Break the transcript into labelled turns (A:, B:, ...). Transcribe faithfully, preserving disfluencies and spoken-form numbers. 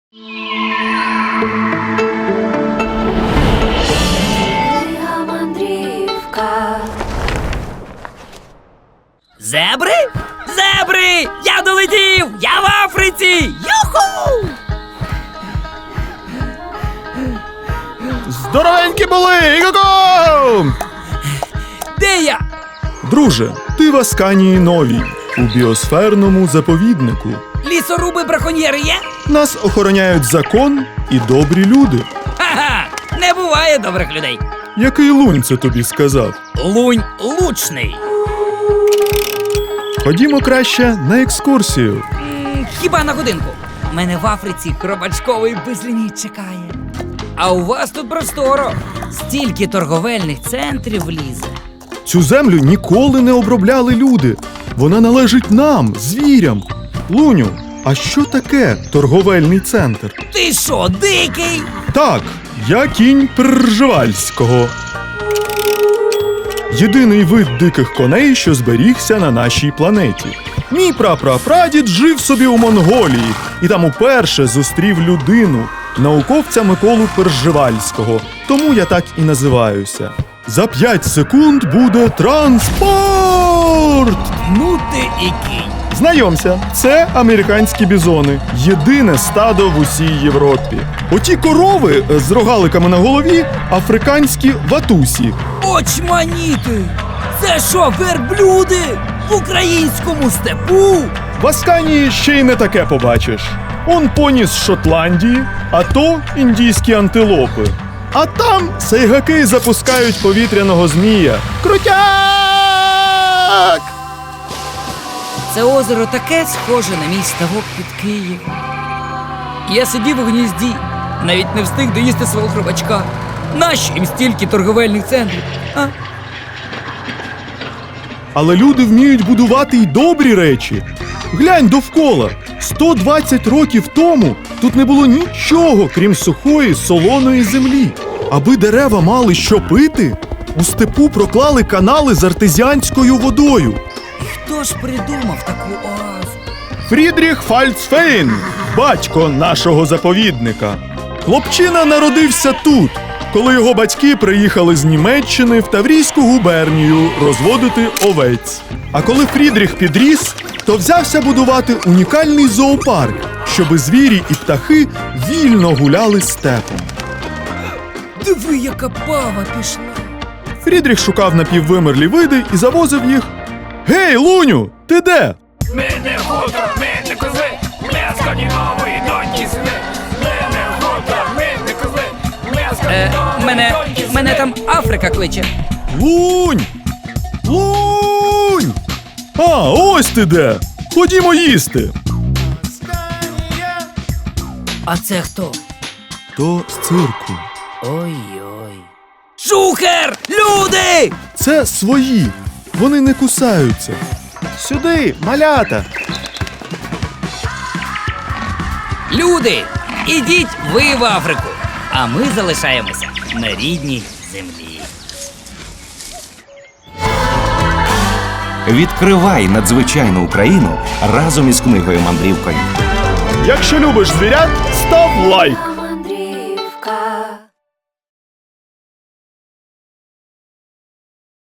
A: Зебри? Зебри! Я долетів! Я в Африці! Юху!
B: Здоровенькі були! Іго-го!
A: Де я?
B: Друже, ти в Асканії Новій, у біосферному заповіднику.
A: Лісоруби-браконьєри є?
B: Нас охороняють закон і добрі люди.
A: Ха-ха! Не буває добрих людей.
B: Який лунь це тобі сказав?
A: Лунь лучний.
B: Ходімо краще на екскурсію.
A: М, Хіба на годинку? Мене в Африці хробачковий безліміт чекає. А у вас тут просторо. Стільки торговельних центрів влізе.
B: Цю землю ніколи не обробляли люди. Вона належить нам, звірям. Луню, а що таке торговельний центр?
A: Ти що, дикий?
B: Так, я кінь Пржевальського. Єдиний вид диких коней, що зберігся на нашій планеті. Мій прапрапрадід жив собі у Монголії і там уперше зустрів людину, науковця Миколу Пржевальського. Тому я так і називаюся. За п'ять секунд буде транспорт!
A: Ну ти і кінь.
B: Знайомся, це американські бізони. Єдине стадо в усій Європі. Оті корови з рогаликами на голові – африканські ватусі.
A: Очманіти! Це що, верблюди? В українському степу?
B: В Асканії ще й не таке побачиш. Он поні з Шотландії, а то індійські антилопи. А там сайгаки запускають повітряного змія. Крутяк!
A: Це озеро таке схоже на мій ставок під Києвом. Я сидів у гнізді, навіть не встиг доїсти свого хробачка. Нащо їм стільки торговельних центрів? А?
B: Але люди вміють будувати й добрі речі. Глянь довкола. сто двадцять років тому тут не було нічого, крім сухої, солоної землі. Аби дерева мали що пити, у степу проклали канали з артезіанською водою.
A: І хто ж придумав таку оазу?
B: Фрідріх Фальцфейн, батько нашого заповідника. Хлопчина народився тут, коли його батьки приїхали з Німеччини в Таврійську губернію розводити овець. А коли Фрідріх підріс, то взявся будувати унікальний зоопарк, щоби звірі і птахи вільно гуляли степом.
A: Диви, яка пава пішла.
B: Фрідріх шукав напіввимерлі види і завозив їх. Гей, Луню, ти де?
C: Мене хутор, мене кози, мене скандинавої доньки сини. Мене хутор, мене кози, мене
A: Е,
C: скандинавої
A: мене,
C: доньки сини.
A: мене там Африка кличе.
B: Лунь! Лунь! А, ось ти де! Ходімо їсти!
A: А це хто?
B: То з цирку.
A: Ой-ой. Шухер! Люди!
B: Це свої. Вони не кусаються. Сюди, малята!
A: Люди! Ідіть ви в Африку, а ми залишаємося на рідній землі.
D: Відкривай надзвичайну Україну разом із книгою-мандрівкою.
B: Якщо любиш звірят, став лайк!